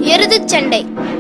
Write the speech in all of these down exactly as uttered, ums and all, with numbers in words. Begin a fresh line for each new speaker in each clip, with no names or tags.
எருதுச் சண்டை.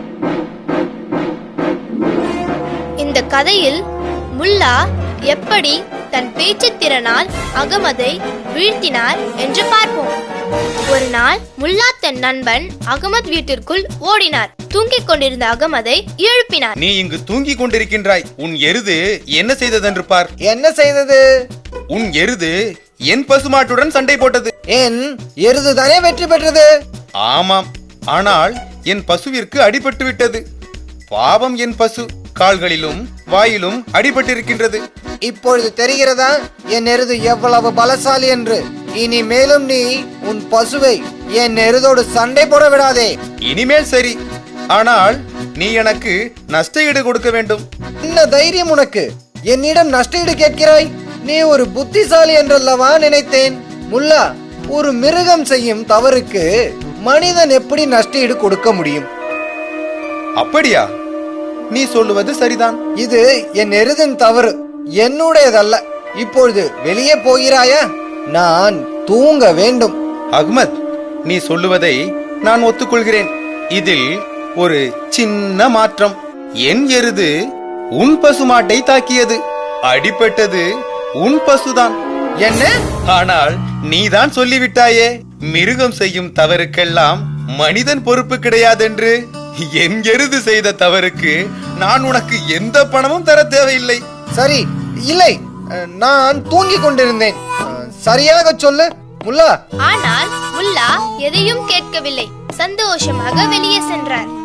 இந்த கதையில் முல்லா எப்படி தன் பேச்சு திறனால் அகமதை வீழ்த்தினார் என்று பார்ப்போம். ஒரு நாள் முல்லா தன் நண்பன் அகமது வீட்டிற்குள் ஓடினார். தூங்கிக் கொண்டிருந்த அகமதை எழுப்பினார்.
நீ இங்கு தூங்கிக் கொண்டிருக்கின்றாய். உன் எருது என்ன செய்ததென்று பார்.
என்ன செய்தது?
உன் எருது என் பசுமாட்டுடன் சண்டை போட்டது.
என் எருது தானே வெற்றி பெற்றது.
ஆமாம், ஆனால் என் பசுவிற்கு அடிபட்டு விட்டது. பாவம், என் பசு கால்களிலும் வாயிலும் அடிபட்டிருக்கின்றது.
இப்பொழுது தெரிகிறதா என் எருது எவ்வளவு பலசாலி என்று? இனி மேலும் நீ உன் பசுவை என் எருதோடு சண்டை போட விடாதே.
இனிமேல் சரி, ஆனால் நீ எனக்கு நஷ்ட ஈடு கொடுக்க வேண்டும்.
என்ன தைரியம் உனக்கு? என்னிடம் நஷ்ட ஈடு கேட்கிறாய்? நீ ஒரு புத்திசாலி என்றல்லவா நினைத்தேன். முல்லா, ஒரு மிருகம் செய்யும் தவறுக்கு மனிதன் எப்படி நஷ்ட ஈடு கொடுக்க முடியும்?
அப்படியா? நீ சொல்லுவது சரிதான்.
இது என் எருதின் தவறு, என்னுடையதல்ல. இப்பொழுது வெளியே போகிறாயா? நான் தூங்க வேண்டும்.
அஹ்மத், நீ சொல்லுவதை நான் ஒத்துக்கொள்கிறேன். இதில் ஒரு சின்ன மாற்றம். என் எருது உன் பசுமாட்டை தாக்கியது. அடிபட்டது உன் பசுதான்.
என்ன?
ஆனால் நீதான் சொல்லிவிட்டாயே, மிருகம் செய்யும் தவறுக்கெல்லாம் மனிதன் பொறுப்பு கிடையாதென்று. என் எருது செய்த தவறுக்கு நான் உனக்கு எந்த பணமும் தர தேவையில்லை.
சரி, இல்லை, நான் தூங்கிக் கொண்டிருந்தேன். சரியாக சொல்லு முல்லா.
ஆனால் முல்லா எதையும் கேட்கவில்லை. சந்தோஷமாக வெளியே சென்றார்.